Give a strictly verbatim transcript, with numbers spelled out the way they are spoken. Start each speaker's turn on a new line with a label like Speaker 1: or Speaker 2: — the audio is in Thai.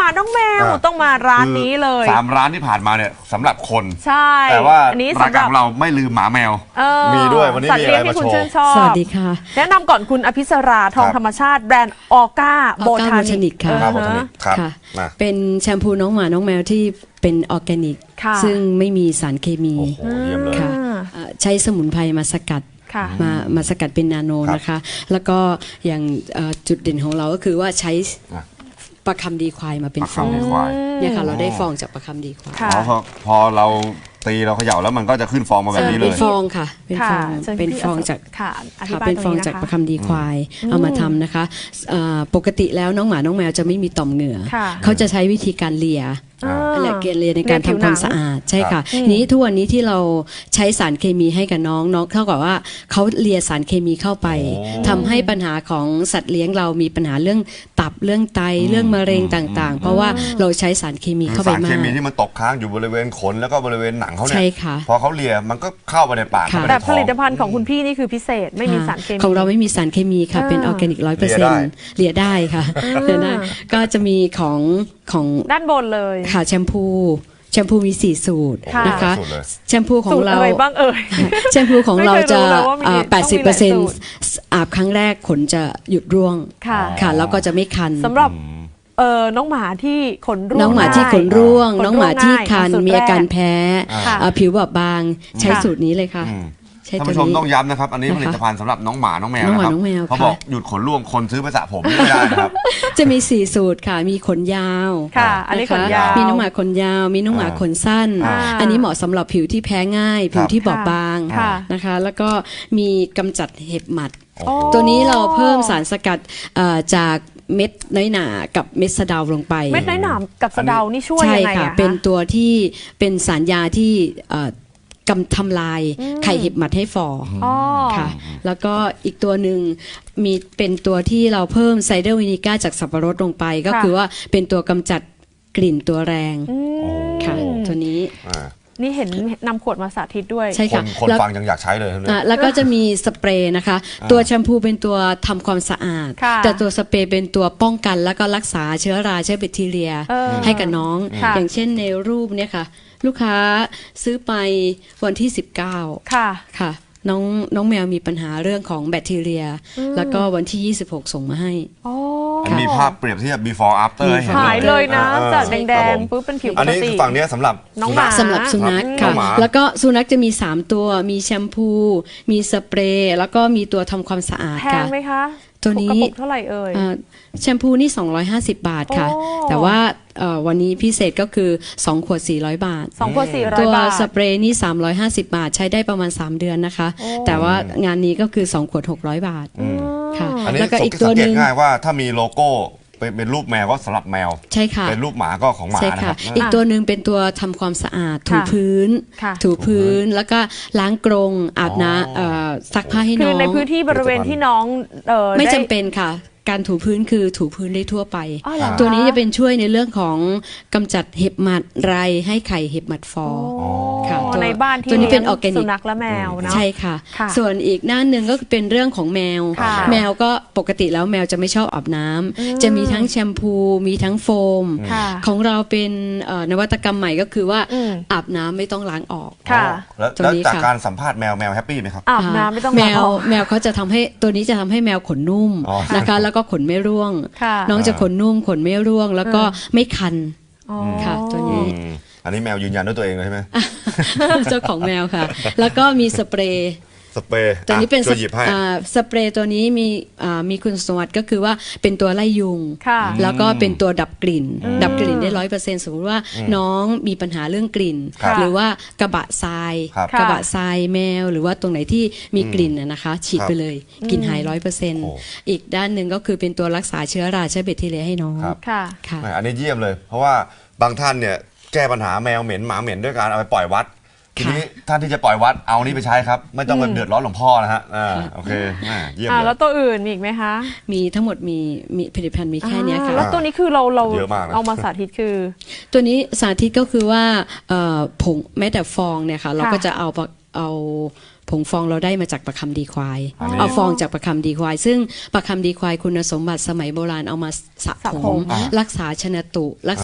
Speaker 1: น้องแมวต้องมาร้านนี้เลย
Speaker 2: สามร้านที่ผ่านมาเนี่ยสำหรับคน
Speaker 1: ใช่
Speaker 2: แต่ว่าอันนี้รายการของเราไม่ลืมหมาแมวมีด้วยวันนี้มีอะไรมาโชว์
Speaker 1: สวัสดีค่ะแนะนำก่อนคุณอภิสราทองธรรมชาติแบรนด์ออก้าโบทานิก
Speaker 3: ค่ะเป็นแชมพูน้องหมาน้องแมวที่เป็นออร์แกนิกซึ่งไม่มีสารเคมีค่ะใช้สมุนไพรมาสกัดมามาสกัดเป็นนาโนนะคะแล้วก็อย่างจุดเด่นของเราก็คือว่าใช้ประคำดีควายมาเป็นฟองเนี่ยค่ะเราได้ฟองจากประคำดีควาย
Speaker 2: พอพอเราตีเราเขย่าแล้วมันก็จะขึ้นฟองมาแบบนี้เลย
Speaker 3: เป็นฟองค่ะเป็นฟองเป็นฟองจากค่ะเป็นฟองจากประคำดีควายเอามาทำนะคะปกติแล้วน้องหมาน้องแมวจะไม่มีต่อมเหงื่อเขาจะใช้วิธีการเลียอะไรเกลียในการทำความสะอาดใช่ค่ะนี้ทุกวันนี้ที่เราใช้สารเคมีให้กับน้องน้องเท่ากับว่าเขาเลียสารเคมีเข้าไปทำให้ปัญหาของสัตว์เลี้ยงเรามีปัญหาเรื่องตับเรื่องไตเรื่องมะเร็งต่างๆเพราะว่าเราใช้สารเคมีเข้าไปมาก
Speaker 2: สารเคมีที่มันตกค้างอยู่บริเวณขนแล้วก็บริเวณหนังเขาเนี่ยพอเขาเลียมันก็เข้าไปในปาก
Speaker 1: แต่ผลิตภัณฑ์ของคุณพี่นี่คือพิเศษไม่มีสารเคมี
Speaker 3: ของเราไม่มีสารเคมีค่ะเป็นออร์แกนิกร้อยเปอร์เซ็นต์เลียได้ค่ะเลียได้ก็จะมีของของ
Speaker 1: ด้านบนเลย
Speaker 3: ค่ะแชมพูแชมพูมีสี่สูตรนะคะแชมพูของเรา
Speaker 1: อะไรบ้างเอ่ย
Speaker 3: แชมพูของเราจะ แปดสิบเปอร์เซ็นต์ อาบครั้งแรกขนจะหยุดร่วงค่ะแล้วก็จะไม่คัน
Speaker 1: สำหรับเออน้องหมาที่ขนร่วง
Speaker 3: น้องหมาที่ขนร่วงน้องหมาที่คันมีอาการแพ้ผิวบอบบางใช้สูตรนี้เลยค่ะ
Speaker 2: ท่านผู้ชมต้องย้ำนะครับอันนี้ผลิตภัณฑ์สำหรับน้องหมาน้องแมวนะครับเขาบอกหยุดขนร่วงคนซื้อไปสระผมไม่ได้นะครับ
Speaker 3: จะมีสี่สูตรค่ะมีขนยาว
Speaker 1: ค่ะอันนี้ขนยาว
Speaker 3: มีน้องหมาขนยาวมีน้องหมาขนสั้นอันนี้เหมาะสำหรับผิวที่แพ้ง่ายผิวที่บอบบางนะคะแล้วก็มีกำจัดเห็บหมัดตัวนี้เราเพิ่มสารสกัดจากเม็ดน้อยหนากับเม็ดสะเดาลงไป
Speaker 1: เม็ดน้อยหนากับสะเดานี่ช่วยยังไงคะ
Speaker 3: ใช่ค่ะเป็นตัวที่เป็นสารยาที่กำทำลายไข่เห็บหมัดให้ฟอค่ะแล้วก็อีกตัวหนึ่งมีเป็นตัวที่เราเพิ่มไซเดอร์วินิก้าจากสับปะรดลงไปก็คือว่าเป็นตัวกำจัดกลิ่นตัวแรงค่ะตัวนี้
Speaker 1: นี่เห็นนำขวดมาสาธิตด้วย
Speaker 3: ใช่ค่ะ
Speaker 2: คนฟังยังอยากใช้เลย
Speaker 3: แล้วก็จะมีสเปรย์นะคะตัวแชมพูเป็นตัวทำความสะอาดแต่ตัวสเปรย์เป็นตัวป้องกันแล้วก็รักษาเชื้อราเชื้อแบคทีเรียให้กับน้องอย่างเช่นในรูปเนี่ยค่ะลูกค้าซื้อไปวันที่สิบเก้าค่ะค่ะน้องน้องแมวมีปัญหาเรื่องของแบคทีเรียแล้วก็วันที่ยี่สิบหกส่งมาให้
Speaker 2: มีภาพเปรียบเทียบ before after ให้เห็น
Speaker 1: หายเลยนะจากแดงๆปุ๊บเป็นผิวปกติ
Speaker 2: อันนี้ฝั่งนี้สำหรับ
Speaker 1: น้องหมา
Speaker 3: สำหรับสุนัขค่ะแล้วก็สุนัขจะมีสามตัวมีแชมพูมีสเปรย์แล้วก็มีตัวทำความสะอาดค่ะ
Speaker 1: แพงไหมคะ
Speaker 3: ตัวนี้
Speaker 1: เท่าไหร่เอ่ย
Speaker 3: แชมพูนี่สองร้อยห้าสิบบาทค่ะแต่ว่าวันนี้พิเศษก็คือสองขวดสี่ร้อยบาท
Speaker 1: สองขวดสี่ร้อยบาท
Speaker 3: ตัวสเปรย์นี่สามร้อยห้าสิบบาทใช้ได้ประมาณสามเดือนนะคะแต่ว่างานนี้ก็คือสองขวดหกร้อยบาท
Speaker 2: ค่ะแล้วก็อีกตัวนึงง่ายว่าถ้ามีโลโก้เป็นรูปแมวก็สำหรับแมว
Speaker 3: ใช่ค่ะ
Speaker 2: เป็นรูปหมาก็ของหมานะครับ
Speaker 3: อีกตัวหนึ่งเป็นตัวทำความสะอาดถูพื้นถูพื้นแล้วก็ล้างกรงอาบน้ำซักผ้าให้น้อง
Speaker 1: คือในพื้นที่บริเวณที่น้อง
Speaker 3: ไม่จำเป็นค่ะการถูพื้นคือถูพื้นได้ทั่วไปตัวนี้จะเป็นช่วยในเรื่องของกำจัดเห็บหมัดไรให้ไข่เห็บหมัดฟอ
Speaker 1: ค่ะในบ้านที่
Speaker 3: ตัวนี้เป็นออร์แกนิก
Speaker 1: สุนัขและแมวนะ
Speaker 3: ใช่ค่ะส่วนอีกหน้าหนึ่งก็เป็นเรื่องของแมวแมวก็ปกติแล้วแมวจะไม่ชอบอาบน้ำจะมีทั้งแชมพูมีทั้งโฟมของเราเป็นนวัตกรรมใหม่ก็คือว่าอาบน้ำไม่ต้องล้างออก
Speaker 2: แล้วจากการสัมภาษณ์แมวแมวแฮปปี้ไหมครับ
Speaker 1: อาบน้ำไม่ต้อง
Speaker 3: แมวแมวเขาจะทำให้ตัวนี้จะทำให้แมวขนนุ่มนะคะแล้วก็ขนไม่ร่วงน้องจะขนนุ่มขนไม่ร่วงแล้วก็ไม่คันค่ะตัวนี้
Speaker 2: อันนี้แมวยืนยันด้วยตัวเองเลยใช่ไหม
Speaker 3: เจ้าของแมวค่ะแล้วก็มีสเปรย์
Speaker 2: สเปรย์
Speaker 3: ตัวนี้เป็นสเปรย์ตัวนี้มีมีคุณสมบัติก็คือว่าเป็นตัวไล่ยุงแล้วก็เป็นตัวดับกลิ่นดับกลิ่นได้ร้อยเปอร์เซ็นต์สมมติว่าน้องมีปัญหาเรื่องกลิ่นหรือว่ากระบะทรายกระบะทรายแมวหรือว่าตรงไหนที่มีกลิ่นนะคะฉีดไปเลยกลิ่นหายร้อยเปอร์เซ็นต์อีกด้านหนึ่งก็คือเป็นตัวรักษาเชื้อราเชื้อแบคทีเรียให้น้อง
Speaker 2: ค่ะอันนี้เยี่ยมเลยเพราะว่าบางท่านเนี่ยแก้ปัญหาแมวเหม็นหมาเหม็นด้วยการเอาไปปล่อยวัดทีนี้ท่านที่จะปล่อยวัดเอานี้ไปใช้ครับไม่ต้องไปเดือดร้อนหลวงพ่อนะฮะอ่าโอเคเยี่ยมเลย
Speaker 1: แล้วตัวอื่นมีอีกไหมคะ
Speaker 3: มีทั้งหมดมีมีผลิตภัณฑ์มีแค่นี้ค่ะ
Speaker 1: แล้วตัวนี้คือเราเราเอามาสาธิตคือ
Speaker 3: ตัวนี้สาธิตก็คือว่าผงแม้แต่ฟองเนี่ยค่ะเราก็จะเอาเอาผงฟองเราได้มาจากประคำดีควายเอาฟองจากประคำดีควายซึ่งประคำดีควายคุณสมบัติสมัยโบราณเอามาสระผมรักษาชนะตุรัก